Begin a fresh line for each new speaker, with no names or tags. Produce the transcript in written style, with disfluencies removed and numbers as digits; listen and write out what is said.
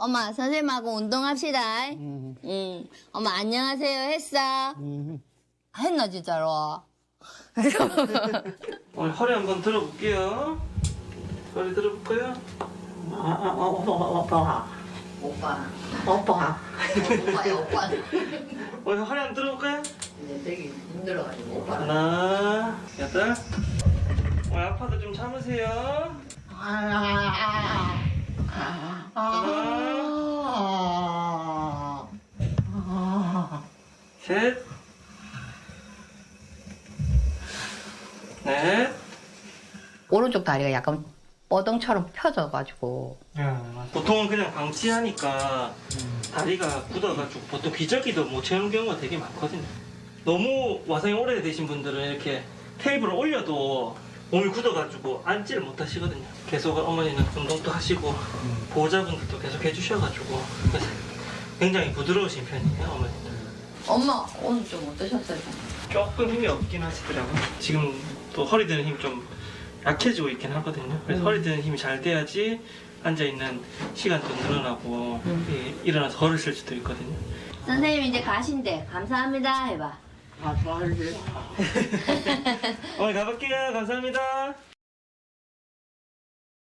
엄마, 선생님하고 운동합시다. 응. 엄마, 안녕하세요. 했어? 했나, 진짜로?
오늘 허리 한번 들어볼게요. 허리 들어볼까요?
오빠. 오빠야, 오빠.
오늘 허리 한번 들어볼까요?
근데 되게 힘들어가지고, 오빠.
하나, 여덟. 오늘 아파도 좀 참으세요. 하나, 셋, 넷.
오른쪽 다리가 약간 뻐덩처럼 펴져가지고
보통은 그냥 방치하니까 다리가 굳어가지고 보통 기저귀도 못 채우는 경우가 되게 많거든요. 너무 와상이 오래되신 분들은 이렇게 테이블을 올려도 몸이 굳어가지고 앉지를 못하시거든요. 계속 어머니는 운동도 하시고 보호자분들도 계속 해주셔가지고 그래서 굉장히 부드러우신 편이에요, 어머니도.
엄마, 오늘 좀 어떠셨어요?
조금 힘이 없긴 하시더라고요. 지금 또 허리 드는 힘이 좀 약해지고 있긴 하거든요. 그래서 허리 드는 힘이 잘 돼야지 앉아있는 시간도 늘어나고 일어나서 걸을 쓸 수도 있거든요.
선생님, 이제 가신대. 감사합니다. 해봐.
어머니 가볼게요. 감사합니다.